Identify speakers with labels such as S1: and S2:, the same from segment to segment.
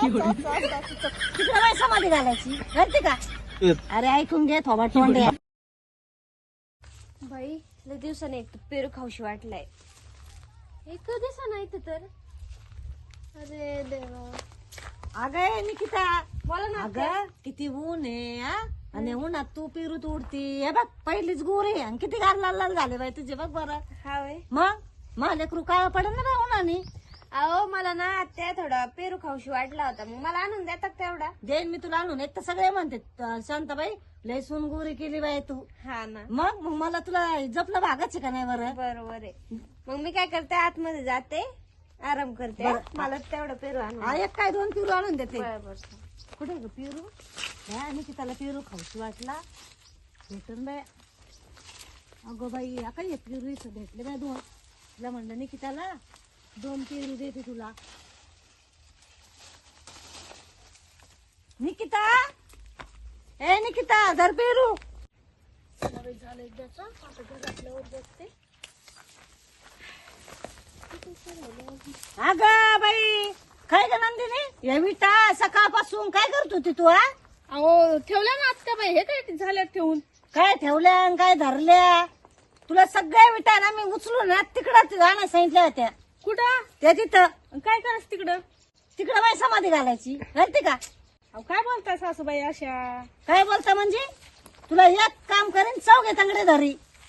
S1: तिकडे बाई समाधी घालायची घालते का? अरे ऐकून घे थोबा तोंड
S2: बाई लय दिवसाने एक पेरू खाऊशी वाटलाय. एक दिवसा नाही तर अरे देवा.
S1: अगं निकिता
S2: बोला ना.
S1: अगं किती ऊन आहे हा? आणि उन्हात तू पेरू तोडती हे बघ पहिलीच गोरी आहे आणि किती गार लाल लाल झाले बाई तुझे बघ बरं.
S2: हा वय.
S1: मग मला लेकरू काळा पडेल ना बाई उन्हाने.
S2: अहो मला ना त्या थोडा पेरू खाऊशी वाटला होता मग मला आणून देतात तेवढा.
S1: देईन मी तुला आणून. एक तर सगळे म्हणते शांताबाई लय सून गोरी केली बाई तू.
S2: हा ना.
S1: मग मग मला तुला जपलं भागाचे का नाही बरं.
S2: बरोबर आहे. मग मी काय करते आतमध्ये जाते आराम करते. मला तेवढं पेरू आणून.
S1: हा एक काय दोन पेरू आणून देते.
S2: बरोबर.
S1: कुठे ग पेरू निकिताला पेरू खाऊशी वाटला भेटून बाय. अगो बाई काय एक पेरू इथं भेटले बाय दोन. तुला म्हणलं निकिताला 2 पेरू देते तुला. निकिता ए निकिता धर पेरू.
S2: झालं एकदाच आता घरातल्यावर बघते.
S1: अगं बाई काय ग नंदिनी या विटा सकाळपासून काय करत होती तू हा?
S2: अहो ठेवल्या ना आत्या बाई. हे काय झालं ठेवून.
S1: काय ठेवल्या आणि काय धरल्या? तुला सगळ्या विटा ना मी उचलून ना तिकडं जाणं सांगितल्या होत्या.
S2: कुठं
S1: त्या तिथं
S2: काय करायचं तिकडं.
S1: तिकडं बाई समाधी घालायची घालते का?
S2: अहो काय बोलताय सासूबाई अशा.
S1: काय बोलता म्हणजे तुला एक काम करेन चौघे तांगडे धरी.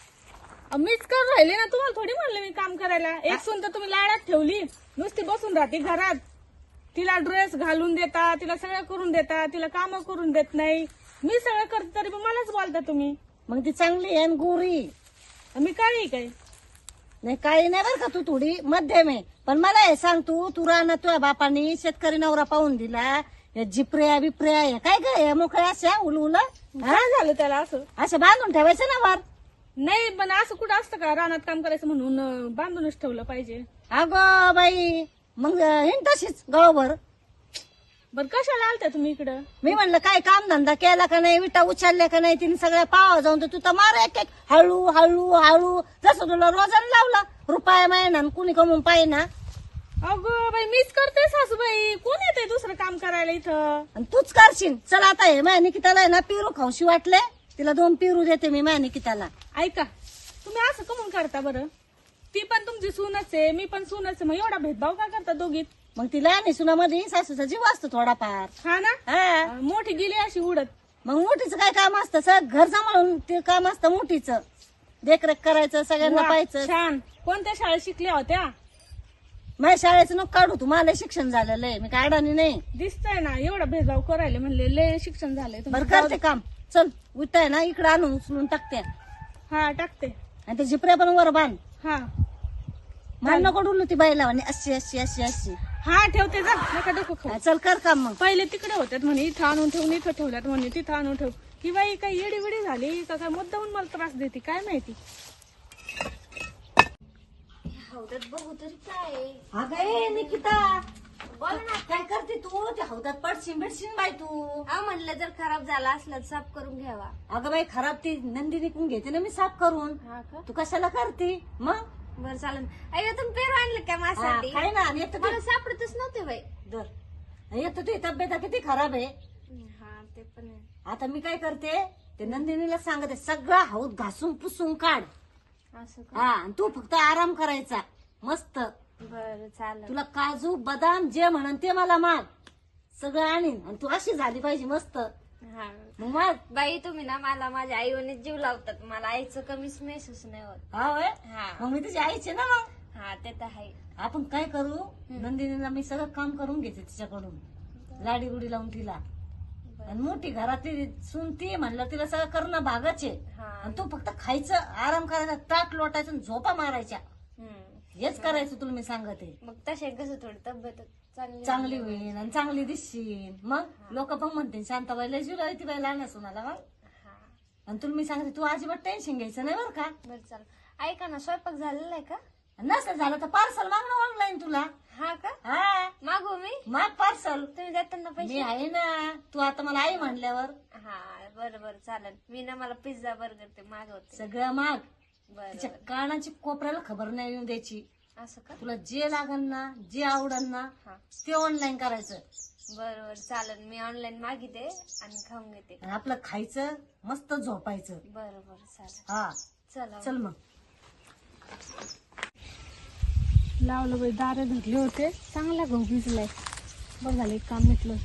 S2: मीच करून राहिले ना. तुम्हाला थोडी म्हणलं मी काम करायला. एक सून तर तुम्ही लाडात ठेवली. नुसती बसून राहते घरात. तिला ड्रेस घालून देता तिला सगळं करून देता तिला काम करून देत नाही. मी सगळं करते तरी पण मलाच बोलता तुम्ही.
S1: मग ती चांगली आहे आणि गोरी.
S2: मी काळी काय.
S1: नाही काही नाही बरं का तू थोडी मध्यम आहे. पण मला हे सांग तू राहणार तुझ्या बापानी शेतकरी नवरा पाहून दिला. या जिपऱ्या बिपऱ्या हे काय काय मोकळ्या अशा उलउल
S2: काय झालं त्याला असं.
S1: असं बांधून ठेवायचं ना वर.
S2: नाही पण असं कुठं असतं का रानात काम करायचं म्हणून बांधूनच ठेवलं पाहिजे.
S1: अगो बाई मग हिंड तशीच गावभर.
S2: बरं कशाला आलता तुम्ही इकडं.
S1: मी म्हणलं काय काम धंदा केला का नाही विटा उचलल्या का नाही तिने सगळ्या पावा जाऊन तर तू तर मार एक एक हळू हळू हळू जसं तुला रोजानं लावला रुपया महिना कुणी कमवून पाहिजे ना.
S2: अगं बाई मीच करते सासूबाई. कोण येते दुसरं काम करायला इथं.
S1: आणि तूच करशील. चल आता हे माझ्या निकिताला आहे ना पेरू खाऊशी वाटले तिला 2 पेरू देते मी माझ्या निकिताला.
S2: ऐका तुम्ही असं कमून करता बरं. ती पण तुमची सूनच आहे मी पण सूनच आहे. मग एवढा भेदभाव का करता दोघीत.
S1: मग तिला आणि सुनामध्ये सासूचा जीव असतो थोडाफार.
S2: हा ना.
S1: हा
S2: मोठी गेली अशी उडत.
S1: मग मोठीचं काय काम असतं सगळं घर सांभाळून ते काम असतं मोठीचं. देखरेख करायचं सगळ्यांना
S2: वा,
S1: पाहायचं.
S2: छान. कोणत्या शाळेत शिकल्या होत्या.
S1: माझ्या शाळेचं नको काढू तू. मला शिक्षण झालेलं आहे मी काय अडाणी नाही.
S2: दिसतंय ना एवढा भेदभाव करायला म्हणले लय शिक्षण झालंय
S1: बरं
S2: तुमचं.
S1: करते काम. चल उठाय ना इकडे आणून उचलून टाकते
S2: हा टाकते.
S1: आणि ते जिपऱ्या पण वर बांध.
S2: हा
S1: मला नको डुलू ती बाईला म्हणे अशी अशी अशी अशी.
S2: हा ठेवते जा नका डोकं खाऊ.
S1: हा, चल कर काम मग.
S2: पहिले तिकडे होत्यात म्हणे इथं आणून ठेवून इथं ठेवल्यात म्हणे तिथं आणून ठेव. ही बाई काही येडी विडी झाली का काय मुद्दाहून मला त्रास देते काय माहिती. हौदात बघू तरी काय.
S1: अगं ए निकिता
S2: बोल ना.
S1: काय करते तू? त्या हौदात पडशील बिडशील बाई तू.
S2: म्हणलं जर खराब झाला असला तर साफ करून घ्यावा.
S1: अगं बाई खराब ती नंदिनी कोण घेते ना मी साफ करून.
S2: हा का.
S1: तू कशाला करते मग.
S2: बरं चालेल. अरे तुम्ही पेरू आणलं काय माझ्यासाठी.
S1: काय ना आणि एक
S2: मला सापडतच नव्हते बाई.
S1: तर एक तर तुझी तब्येत किती खराब आहे.
S2: हा ते पण आहे.
S1: आता मी काय करते ते नंदिनीला सांगते सगळा हौद घासून पुसून काढ.
S2: असं का.
S1: हा आणि तू फक्त आराम करायचा मस्त.
S2: बरं चालेल.
S1: तुला काजू बदाम जे म्हणन ते मला माग सगळं आणीन आणि तू अशी झाली पाहिजे मस्त.
S2: हा
S1: मग माग.
S2: बाई तुम्ही ना मला माझ्या आईवने जीव लावतात. मला आईचं कमीच महसूस नाही होत.
S1: हा होय.
S2: हा
S1: मग मी तुझी आईचे ना मग.
S2: हा ते तर आहे.
S1: आपण काय करू नंदिनीला मी सगळं काम करून घेते तिच्याकडून लाडी रुडी लावून तिला. आणि मोठी घरातली सून ती म्हणलं तिला सगळं करणं भागच आहे.
S2: हा.
S1: आणि तू फक्त खायचं आराम करायचा ताट लोटायचं आणि झोपा मारायच्या हेच करायचं तुला मी सांगते.
S2: मग तसे कसं थोडी तब्येत
S1: चांगली होईल आणि चांगली दिसशील. मग लोक पण म्हणते शांताबाईला जुला ती बाई लहान सुनाला. मग आणि तुला मी सांगते तू अजिबात टेन्शन घ्यायचं नाही बरं का.
S2: बरं चालेल. ऐका ना स्वयंपाक झालेला आहे का.
S1: नसलं झालं तर पार्सल माग ना ऑनलाईन तुला.
S2: हा का.
S1: हा
S2: मागू मी.
S1: माग पार्सल.
S2: तुम्ही देताना
S1: मी
S2: पैसे.
S1: आहे ना. तू आता मला आई म्हणल्यावर
S2: हा बरं बरं चालेल. मी ना मला पिझ्झा बर्गर ते मागवते.
S1: सगळं माग.
S2: बरं
S1: तिच्या कानाची कोपऱ्याला खबर नाही येऊन द्यायची.
S2: असं का.
S1: तुला जे लागल ना जे आवडल ना
S2: हा
S1: ते ऑनलाईन करायचं.
S3: बरोबर चालेल, मी ऑनलाईन मागिते आणि खाऊन घेते.
S1: आणि आपलं खायचं मस्त झोपायचं.
S3: बरोबर चालेल.
S1: हा
S3: चला
S1: चल मग.
S2: लावलं बाई, दारे धरले होते, चांगला गहू भिजलाय. बरं झालं, एक काम मिटलं.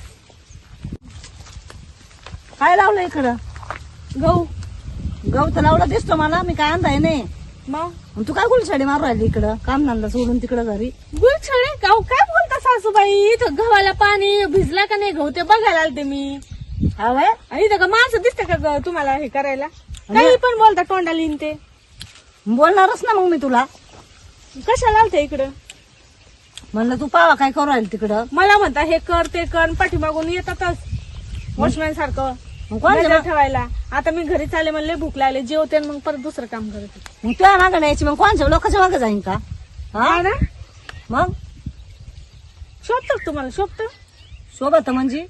S1: काय लावलं इकडं?
S2: गहू.
S1: गहू तर लावला दिसतो मला, मी काय आणताय नाही.
S2: मग
S1: तू काय गुलछडी मारू राहिली इकडं काम धंदा सोडून तिकडं घरी?
S2: गुलछडे गहू काय बोलता सासूबाई? इथं गव्हाला पाणी भिजला का नाही गहू ते बघायला आलते मी.
S1: हा वय
S2: आणि इथं का माणसं दिसते का तुम्हाला हे करायला? काही पण बोलता तोंडाला येईन ते.
S1: बोलणारच ना मग मी तुला.
S2: कशाला आलते इकडं?
S1: म्हणलं तू पावा काय करू राहील तिकडं.
S2: मला म्हणता हे कर ते कर, पाठीमागून येतातच वॉचमॅन सारखं
S1: मग कोण
S2: नजर ठेवायला. आता मी घरी चालले, म्हणले भूक लागले, जेवते आणि मग परत दुसरं काम करते.
S1: मग तुझ्या मागं न्यायची मग कोणच्या लोकांच्या मागं जाईन का? हा
S2: ना
S1: मग
S2: शोभत तुम्हाला? शोभत
S1: सोबत म्हणजे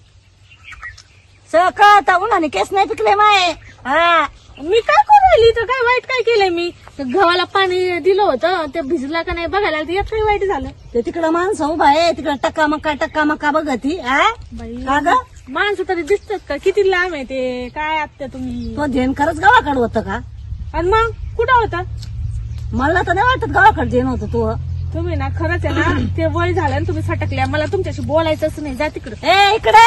S1: सकाळ उन्हाने केस नाही पिकले माय. हा
S2: मी काय करू राहिली तर? काय वाईट काय केलंय मी? तर गव्हाला पाणी दिलं होतं, ते भिजला का नाही बघायला आलते. यात काही वाईट झालं?
S1: ते तिकडं माणसं उभा आहे, तिकडं टक्का मक्का बघती.
S2: बाई
S1: का ग
S2: माणसं तरी दिसतात का? किती लांब आहे ते? काय आत्या तुम्ही?
S1: तो ध्येन खरंच गावाकडे होतं का?
S2: आणि मग कुठं होता?
S1: मला तर नाही वाटत गावाकडे ध्येन होतं तू.
S2: तुम्ही ना खरंच आहे ना, ते वय झालं आणि तुम्ही सटकल्या. मला तुमच्याशी बोलायचंच नाही. जा तिकडं.
S1: ए इकडे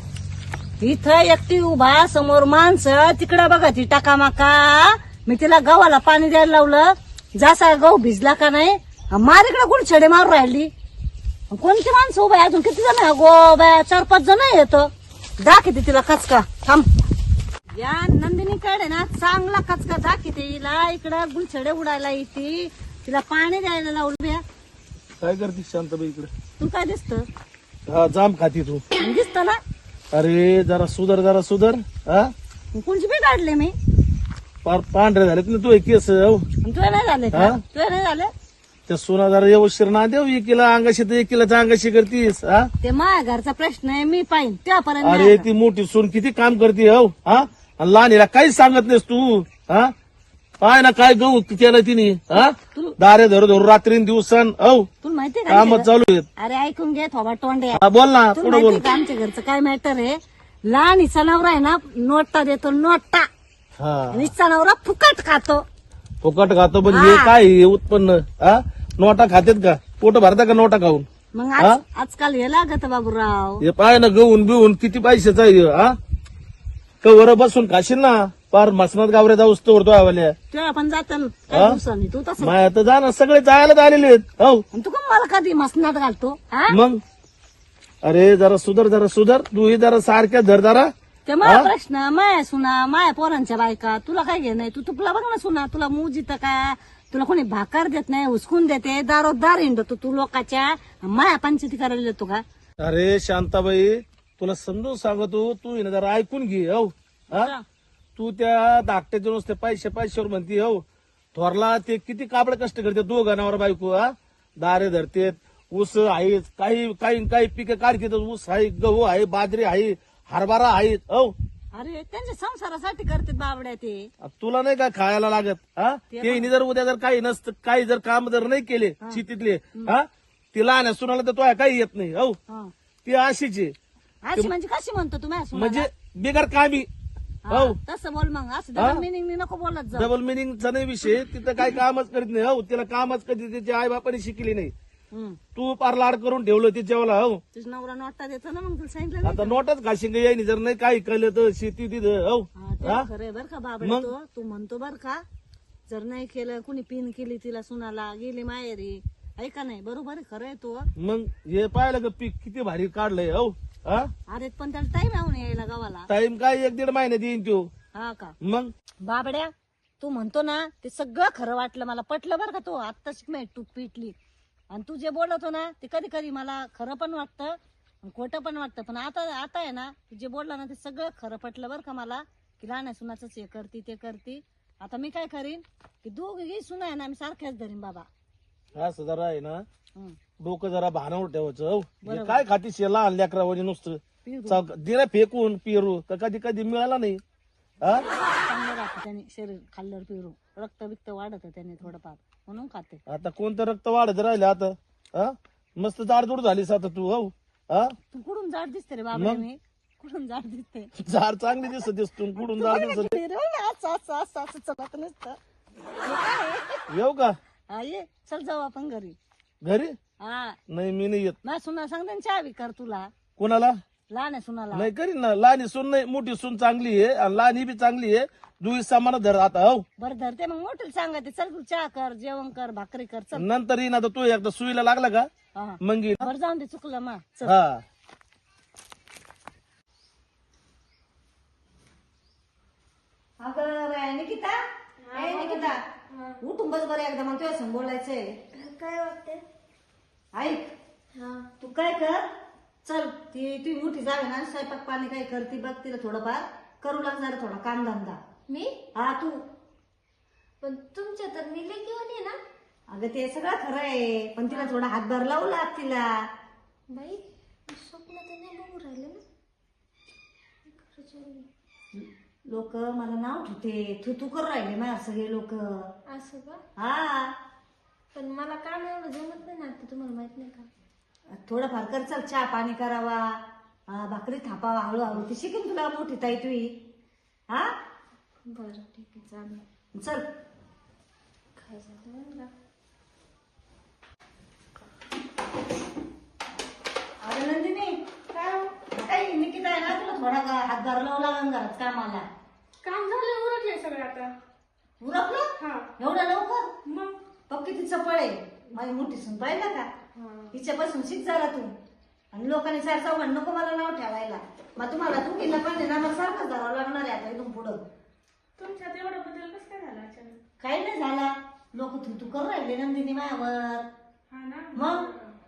S1: इथं एकटी उभा, समोर माणसं, तिकडं बघा ती टाकामाका. मी तिला गव्हाला पाणी द्यायला लावलं, जसा गहू भिजला का नाही मार इकडे गुलछडे मारू राहिली. कोणती माणसं उभा आहे? अजून किती जण आहे? गो बाया 4-5 जण येतो. दाखवते तिला कचका. थांब. या नंदिनीकडे ना चांगला कचका दाखवते हिला. इकडं गुलछडे उडायला येते, तिला पाणी द्यायला लावलं. बिया
S4: काय करते शांताबाई इकडे?
S1: तू काय दिसत?
S4: हा जाम खाती तू.
S1: दिसत ना?
S4: अरे जरा सुधर. हा
S1: कोणची बी काढले मी?
S4: पार पांढरे झालेत ना तू केस. हो
S1: तुला नाही झाले का?
S4: हा?
S1: तुला नाही झाले?
S4: त्या सोना जरा व्यवस्थित ना देऊ. एकीला अंगाशी तर एकीला अंगाशी करतीस. हा
S1: ते माझ्या घरचा प्रश्न आहे, मी पाहिन त्यापर्यंत.
S4: अरे ती मोठी सून किती काम करते. हो हा आणि लहानीला काहीच सांगत नाहीस तू. हा पाय ना काय गहू केलं तिने. हा दारे धरू रात्री दिवसान. हो
S1: तुला माहितीये का?
S4: कामच चालू आहेत.
S1: अरे ऐकून घे थोबा तोंडे.
S4: हा, बोल ना
S1: तुला
S4: पुढे बोल.
S1: माहितीये का आमच्या घरचं काय मॅटर आहे? लहान हिचा नवरा आहे ना नोटा देतो, नोटा.
S4: हा
S1: आणि हिचा नवरा फुकट खातो.
S4: फुकट खातो पण हे काय हे उत्पन्न? हा नोटा खातेत का? पोट भरता का नोटा खाऊन?
S1: मग
S4: हा?
S1: आजकाल हे लागत बाबूराव.
S4: हे पाय ना गहून बिहून किती पैशाचा आहे हा. कवर बसून खाशील ना पार मसनात गावऱ्या जाऊस तो आवाल्या.
S1: तुला पण जात
S4: हा?
S1: काही दिवसांनी तू तसं.
S4: माय आता जा ना सगळे जायला आलेले आहेत. हो
S1: आणि तू का मला कधी मसनात घालतो? हा
S4: मग अरे जरा सुधर तू जरा सारख्या धर जरा.
S1: ते माझा प्रश्न, माया सुना, माया पोरांच्या बायका, तुला काय घे नाही? तू तुला बघ ना सुना, तुला मूज येतं का? तुला कोणी भाकर देत नाही, हुसकून देते, दारोदार हिंडतो तू लोकांच्या. माया पंचायती करायला येतो का?
S4: अरे शांताबाई तुला समजून सांगतो तू हिने जरा ऐकून घे. हो हा तू त्या धाकट्याच्या नुसते पैशावर म्हणती. हो थोरला ते किती काबड कष्ट करते दोघं नवरा बायको. हा दारे धरतेत, ऊस आहे, काही पिकं काढतात. ऊस आहे, गहू आहे, बाजरी आहे, हरभरा आहे. हो
S1: अरे त्यांच्या संसारासाठी करते बाबड्या ते.
S4: तुला नाही का खायला लागत? हा ते हिने जर उद्या जर काही नसतं, काही जर काम जर नाही केले शेतीतले, हा तिला आणि सुनाला तर तो काही येत नाही. हो
S1: हा.
S4: ती अशीच आहे
S1: अशी म्हणजे कशी म्हणतो तुम्ही असं?
S4: म्हणजे बिगर कामी. हो
S1: तसं बोल मग. असं डबल मिनिंग नको बोलत जा.
S4: डबल मिनिंगचा नाही विषय. तिथं काही कामच करीत नाही. हो तिला कामच कधी तिच्या आई बापाने शिकली नाही. तू पार लाड करून ठेवलं तिच्यावाला. हो
S1: तुझा नवरा नोटा देतो ना, मग तुला सांगितलं नाही?
S4: आता नोटच घाशिंग यायनी जर नाही काही कळलं तर शेती तिथं. हो
S1: हा, ते
S4: हा?
S1: खरंय बर का बाबड्या. तू म्हणतो बर का, जर नाही केलं कुणी पिन केली तिला सुनाला, गेली माहेरी, ऐका नाही बरोबर आहे, खरंय तो.
S4: मग हे पाहिलं का पीक किती भारी काढलंय. हो हा
S1: अरे पण त्याला टाइम येऊन यायला गावाला.
S4: टाइम काय 1-1.5 महिन्यात येईन तो.
S1: हा का?
S4: मग
S1: बाबड्या तू म्हणतो ना ते सगळं खरं वाटलं मला, पटलं बरं का. तो आत्ताच मी तू पिटली. आणि तू जे बोलतो ना ते कधी कधी मला खरं पण वाटतं आणि खोटं पण वाटतं. पण आता आहे ना तू जे बोलला ना ते सगळं खरं पटलं बरं का मला, की लहान सुनाच हे करती ते करती. आता मी काय करीन की दोघी सुना आहे ना मी सारख्याच धरीन बाबा.
S4: असं जरा आहे ना
S1: हं.
S4: डोकं जरा भानावर ठेवायचं. हो हे काय खाती शेला लेकरावानी नुसतं दिला फेकून पिरू तर कधी कधी मिळाला नाही. हा
S1: चांगलं राहतं त्याने, शरीर खाल्ल्यावर पिरू रक्त बिक्त वाढत त्याने थोडंफार, म्हणून खाते.
S4: आता कोणतं रक्त वाढत राहिलं आता. हा मस्त जाडजूड झालीस आता तू. हो हा
S1: तू कुठून जाड दिसते रे बाबा मी कुठून जाड दिसते
S4: झाड चांगली दिसत दिसतो कुठून झाड दिसत
S1: रे, असं असं असं असं चलत नसतं
S4: येऊ का
S1: हा ये चल जाऊ आपण घरी
S4: घरी
S1: हा
S4: नाही मी नाही येत
S1: ना सुना सांगते चहा बी कर तुला
S4: कोणाला
S1: लहान आहे सुनाला
S4: नाही करीन ना लहानी सून नाही मोठी सून चांगली आहे आणि लहानी बी चांगली आहे दुई सामान धर आता हो
S1: बरं धरते मग मोठीला सांगते चल तू चहा कर जेवण कर भाकरी कर चल
S4: नंतर येईन आता तू एकदा सुईला लागला का
S1: हा
S4: मग येईन.
S1: बरं जाऊन दे चुकलं मा चल
S4: हा
S1: अगं बाया निकिता ए निकिता उठून बस बरं एकदा मग तुझ्या संग बोलायचंय
S3: काय वाटते
S1: ऐक
S3: हा
S1: तू काय कर चल ती मोठी जावे ना स्वयंपाक पाणी काय करते बघ तिला थोडंफार करू लाग जरा थोडा काम धंदा
S3: मी
S1: हा तू
S3: पण तुमच्या तर मी घेऊन ये ना
S1: अगं ते सगळं खरं आहे पण तिला थोडा हातभार लावू लाग तिला
S3: बाई स्वप्न तर नाही बघू राहिले ना खरंच आहे.
S1: लोक मला नाव ठेवते तू करू राहिले ना सगळे लोक
S3: असं का
S1: हा
S3: पण मला काम एवढं जमत नाही ना आता तुम्हाला माहित नाही का
S1: थोडंफार कर चल चहा पाणी करावा भाकरी थापावा हळूहळू ती शिकेन तुला मोठी ताई तुही हा
S3: बरं ठीक आहे चालेल
S1: चल
S3: काय झालं मला
S1: अरे नंदिनी
S2: काय हो?
S1: काही निकिता आहे ना तुला थोडा हातभार लावू लागेल घरात कामाला
S2: काम झालं उरकले सगळं आता
S1: उरकलं
S2: हा
S1: एवढं लवकर
S2: मग
S1: पक्की ती चपळ आहे माझी मोठी सून पाहिलं का हिच्यापासून शिक जरा तू आणि लोकांनी चार चौघांना नको मला नाव ठेवायला मग तुम्हाला तू केलं पाहिजे ना मला सारखं धरावं लागणार आहे आता इथून पुढं
S2: तुमच्यात एवढा बदल कसं काय झाला अचानक
S1: काही नाही झाला लोक तू करू राहिले नंदिनी मायावर
S2: हा ना
S1: मग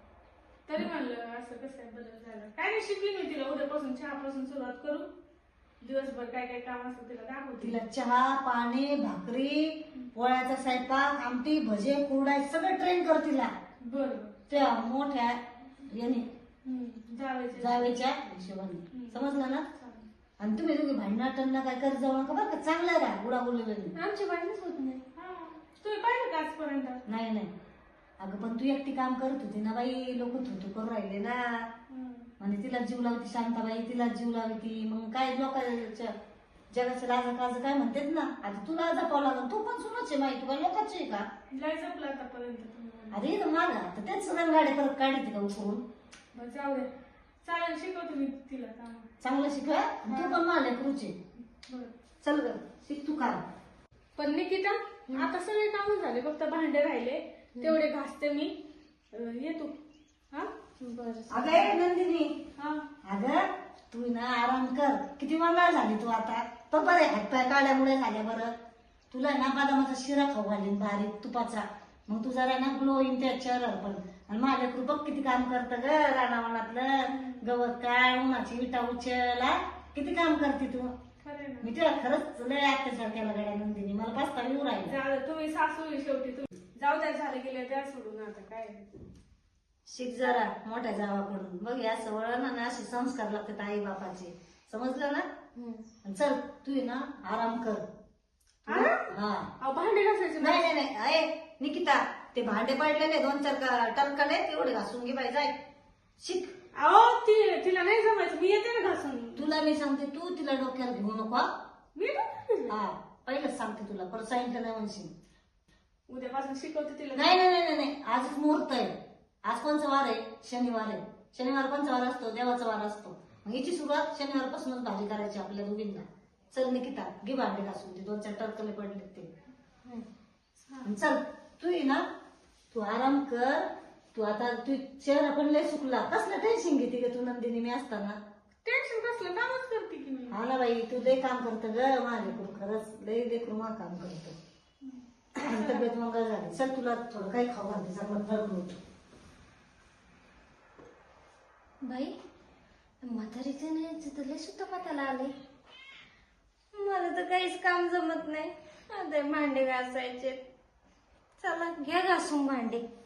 S2: तरी म्हणलं असं कसं काय बदल झाला काय नाही शिकली मी तिला उद्यापासून चहापासून सुरुवात करू दिवसभर काय काय काम असतं तिला दाखवते
S1: तिला चहा पाणी भाकरी पोळ्याचा स्वयंपाक आमटी भजे कुरडा सगळं ट्रेन कर तिला
S2: बरं
S1: त्या मोठ्या याने
S2: जावायचे
S1: जावेच्या हिशोबाने समजलं ना आणि तुम्ही तुम्ही भांडणाटंना काय करत जाऊ नका बरं का चांगलं राहा गुडा बोलले
S3: आमची भांडणच होत नाही
S2: हा तुम्ही पाहिलं का आजपर्यंत
S1: नाही नाही अगं पण तू एकटी काम करत होती ना बाई लोक थुतू करू राहिले ना आणि तिला जीव लावती शांताबाई तिला जीव लावती मग काय लोकांच्या जगाचं लाजा काज काय म्हणतात ना आता तुला जपावं लागल तू पण सुनच आहे माहिती का लोकांची आहे का
S2: लय जपलं आतापर्यंत तुम्ही.
S1: अरे तर माझा तर तेच सगळ्या गाड्या परत काढते का उकरून
S2: बरं जाऊ दे चालेल शिकवते मी तिला काम
S1: चांगलं शिकवा तू पण मला लेकरूचे
S2: बरं
S1: चल ग शिक तू काम
S2: पण निकिता आता सगळे काम झाले फक्त भांडे राहिले तेवढे घासते मी येतो हा
S3: बरं
S1: अगं ए नंदिनी
S2: हा
S1: अगं तू ना आराम कर किती मंगाळ झाली तू आता तो बरं हातपाय काढल्यामुळे झाल्या बरं तुला ना बदामाचा शिरा खाऊ घालीन बारीक तुपाचा मग तू जरा ना ग्लो येईन त्या चेहऱ्यावर पण आणि माझ्या कृपक किती काम करतं ग रानावनातलं गवत काय उन्हाची विटा उचला किती काम करते तू
S2: खरं ना
S1: मी तुला खरंच लय अत्याचार केला गड्या नंदिनी मला पास्ता येऊ राहिला
S2: झालं तुम्ही सासू आहे शेवटी तुम्ही जाऊ द्या झालं गेले त्या सोडून आता काय
S1: शिक जरा मोठ्या जावाकडून बघ या सवळण ना असे संस्कार लागतात आई बापाचे समजलं ना आणि चल तू आहे ना आराम कर हा
S2: अहो, भांडे घासायचे
S1: नाही नाही नाही अय निकिता ते भांडे पडलेले 2-4 टनकले तेवढे घासून घे बाई जाय शिक
S2: अहो तिला नाही जमायचं मी येते ना घासून
S1: तुला मी सांगते तू तिला डोक्याला घेऊ नको हा?
S2: मी नाही.
S1: हा पहिलंच सांगते तुला परत सांगितलं नाही म्हणशील
S2: उद्यापासून शिकवते तिला
S1: नाही नाही नाही नाही आजच मुहूर्त आहे आज कोणचा वार आहे शनिवार आहे शनिवार कोणचा वार असतो देवाचा वार असतो मग हिची सुरुवात शनिवारपासूनच भाजी करायची आपल्या दोघींना चल निकिता घे भांडे घासून ते 2-4 टरकले पडले ते आणि चल तू ये ना तू आराम कर तू आता तू चेहरा पण लय सुकला कसलं टेन्शन घेते ग तू नंदिनी मी असताना
S2: टेन्शन कसलं कामच करते की मी
S1: हा ना बाई तू लय काम करत ग माझ्या लेकरू खरंच लय लेकरू मा काम करत तब्येत मग झाली चल तुला थोडं काही खाऊ घालते चांगलं फळ
S3: बाई म्हातारीचं नाही तर लय सुद्धा पताला आले मला तर काहीच काम जमत नाही आता भांडे घासायचे चला घ्या घासून भांडे